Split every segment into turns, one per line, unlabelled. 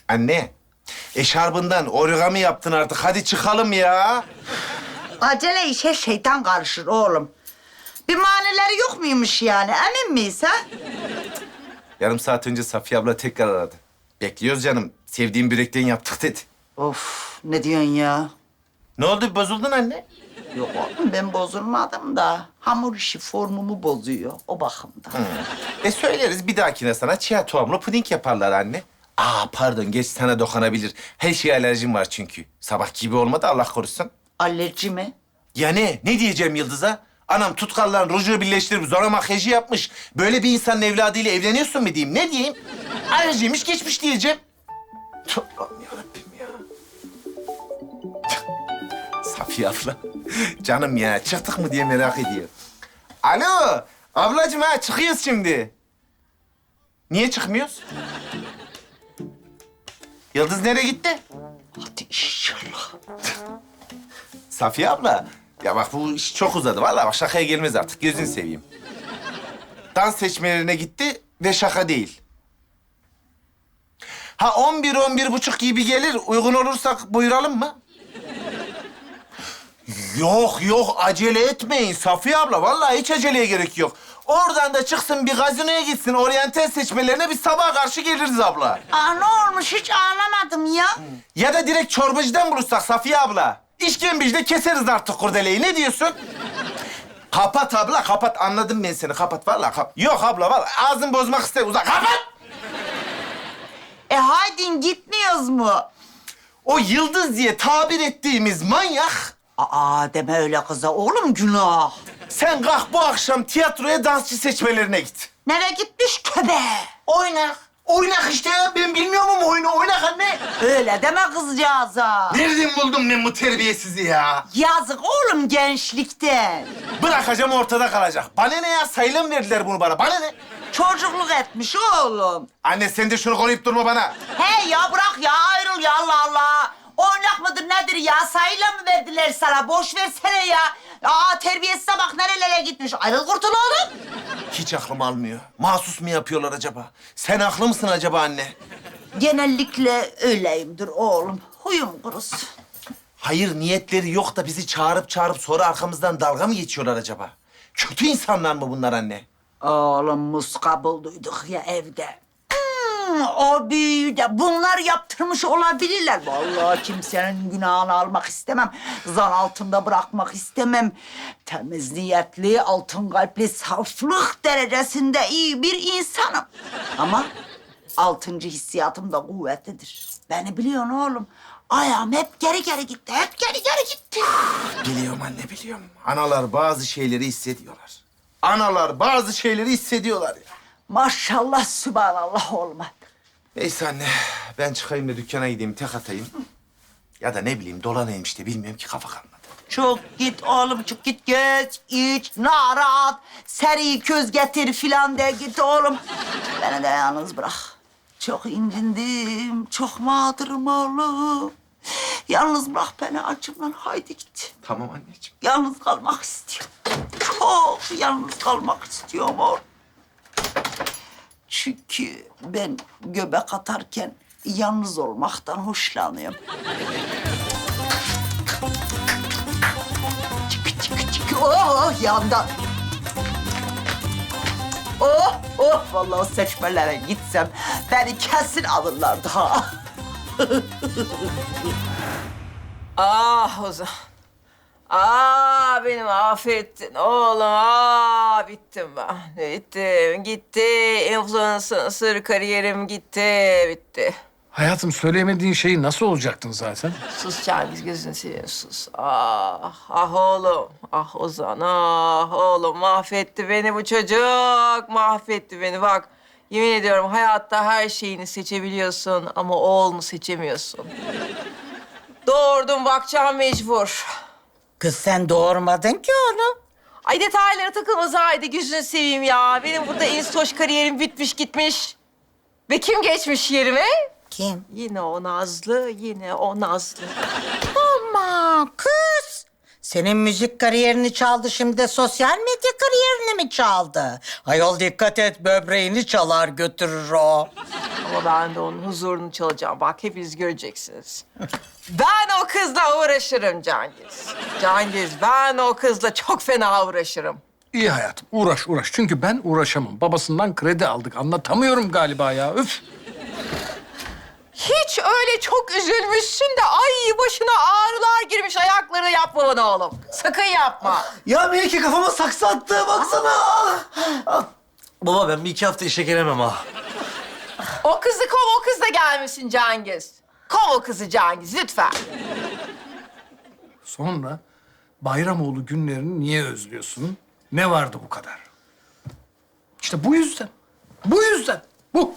Anne, eşarbından origami yaptın artık. Hadi çıkalım ya.
Acele işe şeytan karışır oğlum. Bir manileri yok muymuş yani? Emin miyiz ha?
Yarım saat önce Safiye abla tekrar aradı. Bekliyoruz canım. Sevdiğim börekten yaptık dedi.
Of, ne diyorsun ya?
Ne oldu? Bozuldun anne?
Yok oğlum, ben bozulmadım da hamur işi formumu bozuyor o bakımdan.
Söyleriz bir dahakine sana chia tohumlu puding yaparlar anne. Pardon geç sana dokunabilir. Her şeye alerjim var çünkü. Sabah gibi olmadı Allah korusun.
Alerji mi?
Ya ne diyeceğim Yıldız'a? Anam tutkallan ruju birleştirip zora makyajı yapmış. Böyle bir insanın evladıyla evleniyorsun mu diyeyim? Ne diyeyim? Alerjiymiş geçmiş diyeceğim. Allah'ım yarabbim ya. Safiye abla. Canım ya çıktık mı diye merak ediyor. Alo ablacığım çıkıyoruz şimdi. Niye çıkmıyoruz? Yıldız nereye gitti?
Hadi inşallah.
Safiye abla, ya bak bu iş çok uzadı. Vallahi bak şakaya gelmez artık. Gözünü seveyim. Dans seçmelerine gitti ve şaka değil. 11-11.30 gibi gelir. Uygun olursak buyuralım mı? Yok acele etmeyin Safiye abla. Vallahi hiç aceleye gerek yok. Oradan da çıksın bir gazinoya gitsin. Oryantal seçmelerine biz sabaha karşı geliriz abla.
Ne olmuş hiç anlamadım ya.
Ya da direkt çorbacıdan bulursak Safiye abla. İşkembecide keseriz artık kurdeleyi. Ne diyorsun? Kapat abla, kapat. Anladım ben seni. Kapat vallahi. Yok abla, vallahi ağzını bozmak ister. Uzak. Kapat!
Haydi gitmiyoruz mu?
O Yıldız diye tabir ettiğimiz manyak...
Deme öyle kıza oğlum, günah.
Sen kalk bu akşam tiyatroya dansçı seçmelerine git.
Nereye gitmiş köbe?
Oynak. Oynak işte ya. Ben bilmiyor muyum oyunu? Oynak anne.
Öyle deme kızcağıza.
Nereden buldum ben bu terbiyesizi ya?
Yazık oğlum gençlikten.
Bırakacağım ortada kalacak. Bana ne ya? Sayılı mı verdiler bunu bana? Bana ne?
Çocukluk etmiş oğlum.
Anne sen de şunu koruyup durma bana.
He ya bırak ya, ayrıl ya, Allah Allah. Oynak mıdır nedir ya? Sayıyla mı verdiler sana? Boş versene ya. Terbiyesize bak nerelere gitmiş. Ayrıl kurtul oğlum.
Hiç aklım almıyor. Mahsus mu yapıyorlar acaba? Sen haklı mısın acaba anne?
Genellikle öyleyimdir oğlum. Huyum kurusun.
Hayır niyetleri yok da bizi çağırıp sonra arkamızdan dalga mı geçiyorlar acaba? Kötü insanlar mı bunlar anne?
Oğlum muska bulduyduk ya evde. O büyüyü de bunlar yaptırmış olabilirler. Vallahi kimsenin günahını almak istemem. Zan altında bırakmak istemem. Temiz niyetli, altın kalpli, saflık derecesinde iyi bir insanım. Ama altıncı hissiyatım da kuvvetlidir. Beni biliyorsun oğlum. Ayağım hep geri gitti. Hep geri gitti.
Biliyorum anne biliyorum. Analar bazı şeyleri hissediyorlar. Analar bazı şeyleri hissediyorlar ya.
Maşallah, sübhanallah olma.
Neyse anne ben çıkayım da dükkana gideyim tek atayım. Ya da ne bileyim dolanayım işte bilmiyorum ki kafa kalmadı.
Çok git oğlum, çok git geç, iç, narat, seri köz getir filan de git oğlum. Beni de yalnız bırak. Çok incindim, çok mağdurum oğlum. Yalnız bırak beni acımdan, haydi git.
Tamam anneciğim.
Yalnız kalmak istiyorum. Çok yalnız kalmak istiyorum oğlum. Çünkü ben göbek atarken yalnız olmaktan hoşlanıyorum. Oh yandan. Vallahi seçmelere gitsem beni kesin alırlardı ha.
Ozan. Beni mahvettin oğlum. Bittim ben. Bittim, gitti. Influencer kariyerim gitti, bitti.
Hayatım söyleyemediğin şeyi nasıl olacaktın zaten?
Sus Cengiz, gözünü seveyim sus. Oğlum. Ozan, oğlum. Mahvetti beni bu çocuk. Mahvetti beni bak. Yemin ediyorum hayatta her şeyini seçebiliyorsun ama oğlunu seçemiyorsun. Doğurdum, bakacağım mecbur.
Kız sen doğurmadın ki oğlum.
Ay detaylara takılma Zahide, gözünü seveyim ya. Benim burada instoş kariyerim bitmiş gitmiş. Ve kim geçmiş yerime?
Kim?
Yine o Nazlı, yine o Nazlı.
Ama kız
Senin müzik kariyerini çaldı, şimdi de sosyal medya kariyerini mi çaldı? Ayol dikkat et, böbreğini çalar götürür o.
Ama ben de onun huzurunu çalacağım. Bak hepiniz göreceksiniz. Ben o kızla uğraşırım Cengiz. Cengiz, ben o kızla çok fena uğraşırım.
İyi hayatım, uğraş uğraş. Çünkü ben uğraşamam. Babasından kredi aldık. Anlatamıyorum galiba ya. Üf.
Hiç öyle çok üzülmüşsün de ay başına ağrılar girmiş ayaklarına yapma bana oğlum. Sakın yapma.
Ya Melike kafama saksı attı baksana. Baba ben bir iki hafta işe gelemem ha.
O kızı kov, o kız da gelmesin Cengiz. Kov o kızı Cengiz lütfen.
Sonra Bayramoğlu günlerini niye özlüyorsun? Ne vardı bu kadar? İşte bu yüzden. Bu yüzden. Bu.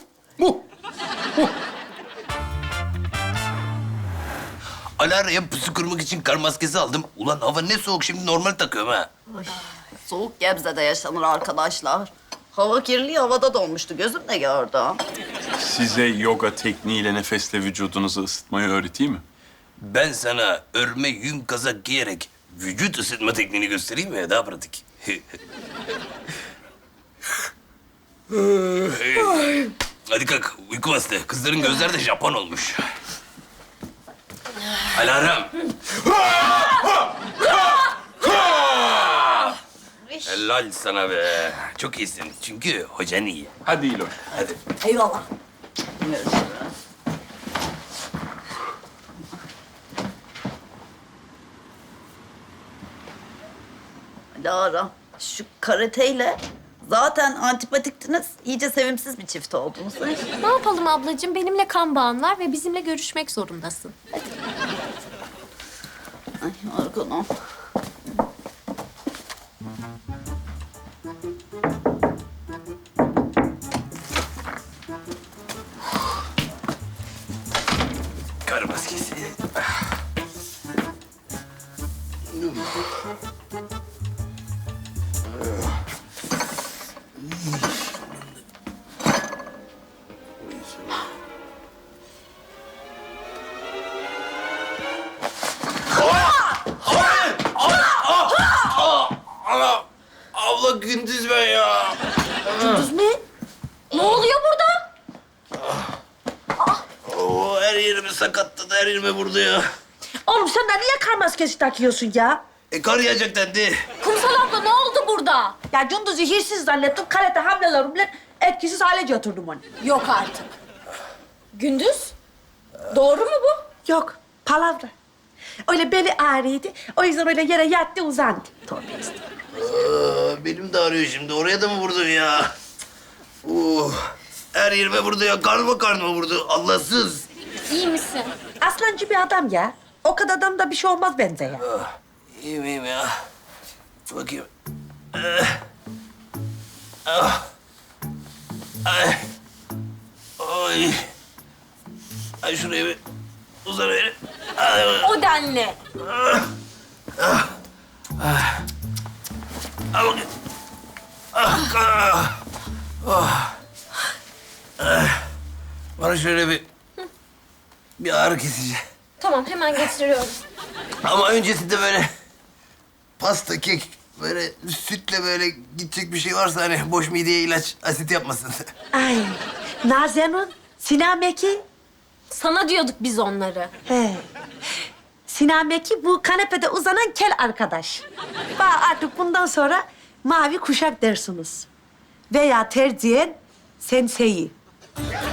Alara'ya pusu kurmak için kar maskesi aldım. Ulan hava ne soğuk, şimdi normal takıyorum ha.
Soğuk Gebze'de yaşanır arkadaşlar. Hava kirli, havada donmuştu. Gözümle gördüm.
Size yoga tekniğiyle nefesle vücudunuzu ısıtmayı öğreteyim mi?
Ben sana örme yün kazak giyerek vücut ısıtma tekniğini göstereyim mi? Daha pratik. Hadi kalk, uyku bastı. Kızların gözleri de Japon olmuş. Alarm. Helal sana be. Çok iyisin. Çünkü hocan iyi.
Hadi İloş.
Hadi.
Eyvallah. Görüşürüz. Lara, şu karateyle zaten antipatiktiniz. İyice sevimsiz bir çift oldunuz.
Ne yapalım ablacığım? Benimle kan bağın var ve bizimle görüşmek zorundasın.
Ay arkanam.
Kar maskesi. Abla gündüz ben ya.
Ne oluyor burada?
Oo, her yerimi sakatladı, her yerime vurdu ya.
Oğlum sen de niye kar maskesi takıyorsun ya?
Kar yağacak dendi.
Kumsal abla ne oldu burada?
Ya Cunduz'u hirsiz zannettim, karate hamlelerimle etkisiz hale getirdim onu.
Yok artık. Gündüz? Doğru mu bu?
Yok, palavra. Öyle beli ağrıydı, o yüzden öyle yere yattı, uzandı.
Benim de ağrıyor şimdi. Oraya da mı vurdun ya? Her yerime vurdu ya. Karnıma vurdu. Allahsız.
İyi misin?
Aslancı bir adam ya. O kadar adam da bir şey olmaz bence ya.
İyiyim ya. Bakayım. Ay. Ay şuraya bir uzan verin.
O denli.
Al bakayım. Bana şöyle bir ağrı kesici.
Tamam hemen getiriyorum.
Ama öncesinde böyle pasta, kek, böyle sütle böyle gidecek bir şey varsa hani boş mideye ilaç asit yapmasın.
Ay, Nazenun, Sinan Meki.
Sana diyorduk biz onları.
He. Sinan Meki bu kanepede uzanan kel arkadaş. Bak artık bundan sonra mavi kuşak dersiniz. Veya tercihen senseyi.